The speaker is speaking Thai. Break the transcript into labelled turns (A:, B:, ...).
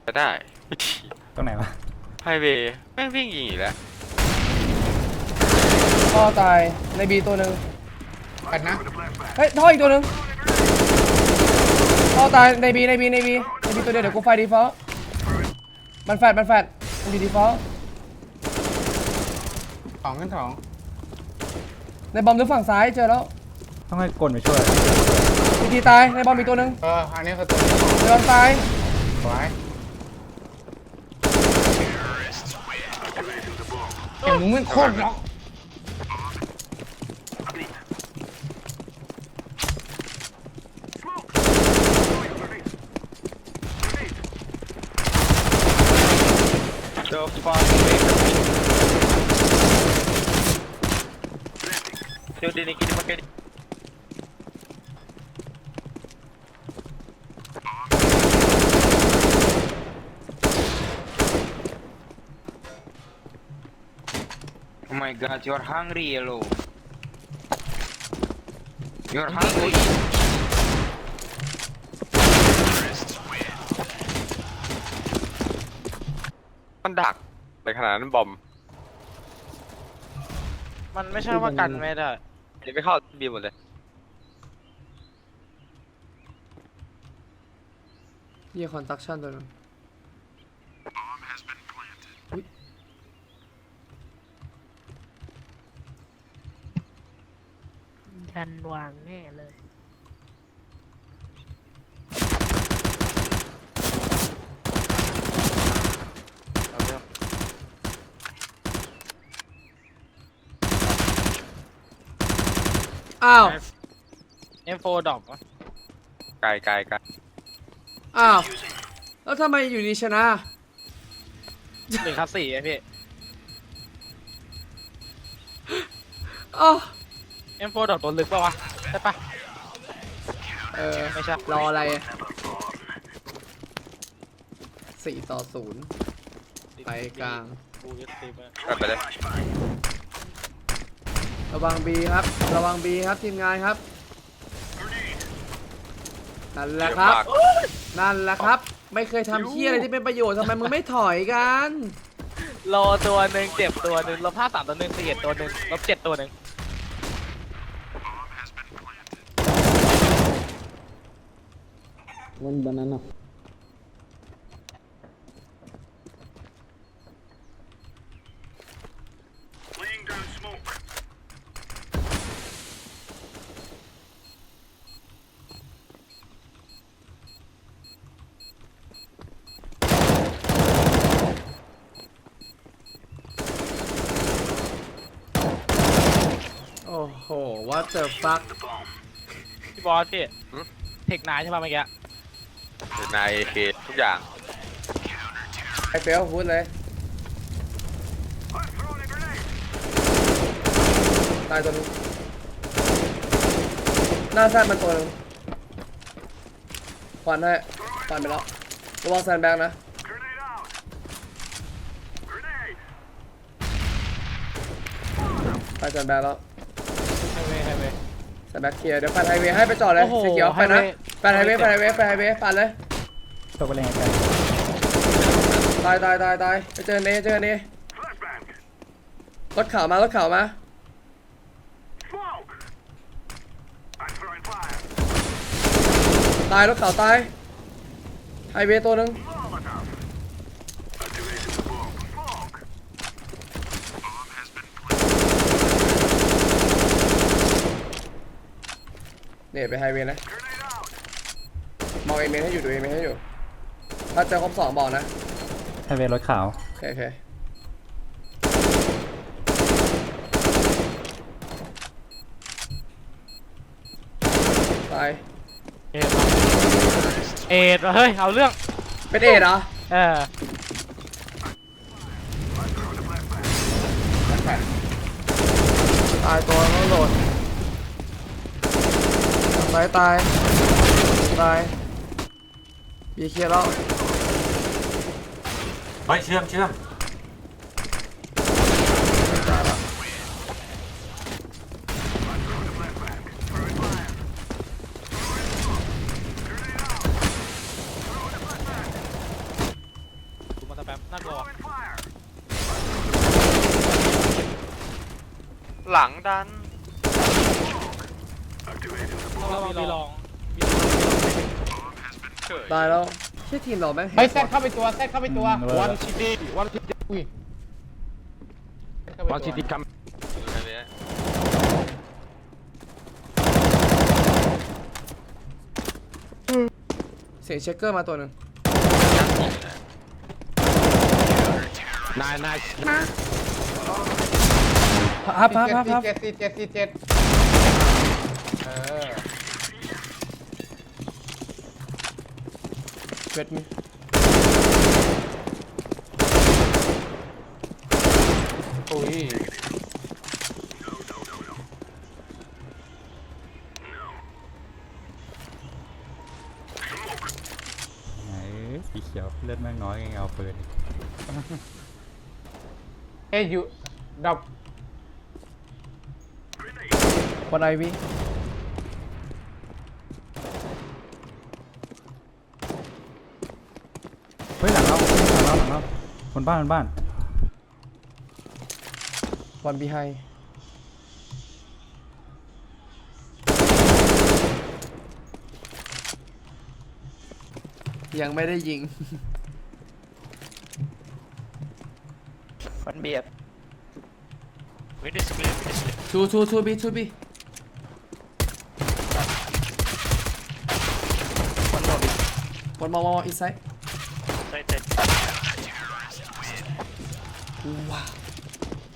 A: จะได้
B: ตรงไหนวะ
A: ไฮเวย์แม่งวิ่งยิงอีกแล้ว
C: ท่อตายในบีตัวหนึ่ง
D: กันนะ
C: เฮ้ยท่ออีกตัวหนึ่งท่อตายในบีตัวเดียวเดี๋ยวกูไฟดีฟอลต์มันแฟดมันอยู่ดีฟอลต์
D: สองขึ้นสอง
C: ในบอมดูฝั่งซ้ายเจอแล้ว
B: ต้องให้กลไปช่วย
C: ทีตายในบอมอีกตัวหนึ่ง
D: อันนี้คือตัว
C: ในบอมตาย
D: สวยเห็นมึงมันโคตรล็อก
A: เจอฟาร์มเดี๋ยวนี้กินมาแค่นี้
E: Oh my god, you're hungry, yellow. You're hungry.
A: มันดักในขนาดนั้นบอม
F: มันไม่ใช่ว่ากันไม่ได้
A: ยังไม่เข้าบีหมดเลย
C: เยี่ยคอนตักชั่นตัวนึง
G: ทันวางแน่เลย
C: อ้าว
F: M4 ดรอปวะ
A: ไกล
C: อ้าวแล้วทำไมอยู่ดีชนะ
F: 1 ครับ 4ไอพี่
C: อ๋อ
F: M4 ดรอปตัวลึกปะวะใช่ปะ ไม่ใช่
C: รออะไร4-0ไปกลาง
F: กูยึดตีไป
A: ไปเลย
C: ระวังบีครับระวังบีครับทีมงานครับนั่นแหละครับ นั่นแหละครับ ไม่เคยทำเหี้ยอะไรที่เป็นประโยชน์ทำไมมึงไม่ถอยกัน
F: รอตัวหนึ่งเจ็บตัวหนึ่งลบ53ตัวหนึ่ง41ตัวหนึ่งลบ7ตัวหนึ่ง
C: วันบานาน่า โอ้โห what the fuck
F: พี่บอสพี่เทคนายใช่ปะเมื่อกี้
A: นายเคทุกอย่าง
C: ไอเฟลพูดเลย ตายตัวนึงหน้าแซนมันตัวนึงควันให้ควันไปแล้วระวังแซนแบงค์นะไปแซนแบงค์แล้ว
F: ไฮเวย์
C: แซนแบงค์เคลียร์เดี๋ยวปัดไฮเวย์ให้ไปจอดเลย
F: โอ้โห
C: สีเขียวไปนะ
F: ไฮเวย์
C: ปัดไฮเวย์ปัดไฮเวย์ปัดไฮเวย์ปัดเลย
B: ตกไปเลยกัน
C: ตายไปเจอเนรถขาวมารถขาวมาตายรถขาวตายไฮเวย์ตัวหนึ่งเนี่ยไปไฮเวย์นะมองเอเมนให้อยู่ดูเอเมนให้อยู่ถ้าเจอครบ2บอกนะ
B: ไฮเวย์รถขาว
C: โอเคตาย
F: เอ็ดเฮ้ยเอาเรื่อง
C: เป็นเอ็ดเหรอ ตายตัวต้องโหลดตายบีเคลียร์แล้ว
B: เฮ้ยเชื่อม
C: ตายแล้ว
F: น่ากลัว
A: หลังดัน
F: เรามีลอง
A: เฉย
C: ตายแล้วเชื่อทีมเราแม่ง
D: เฮ้ยแซดเข้าไปตัวแซดเข้าไปตัว
B: วัน
D: ซิตี้วันซิตี้อุ้ยวันซิตี้คัม
A: อยู่ในนี้
C: เสียงเช็คเกอร์มาตัวหนึ่ง
D: นาย
C: ฮับ
D: เจ็ดเออ
C: เวทมี
D: อุ้ย
B: ไหนสีเขียวเลือดแม่งน้อยไงเอาปืน
D: เอ้ยอยู่ดับ
C: วันไอวี
B: เฮ้ยหลังเราบนบ้าน
C: วันบีไฮยังไม่ได้ยิง
F: มันเบียด
C: ทูบีวันมออีไซด์ว้าว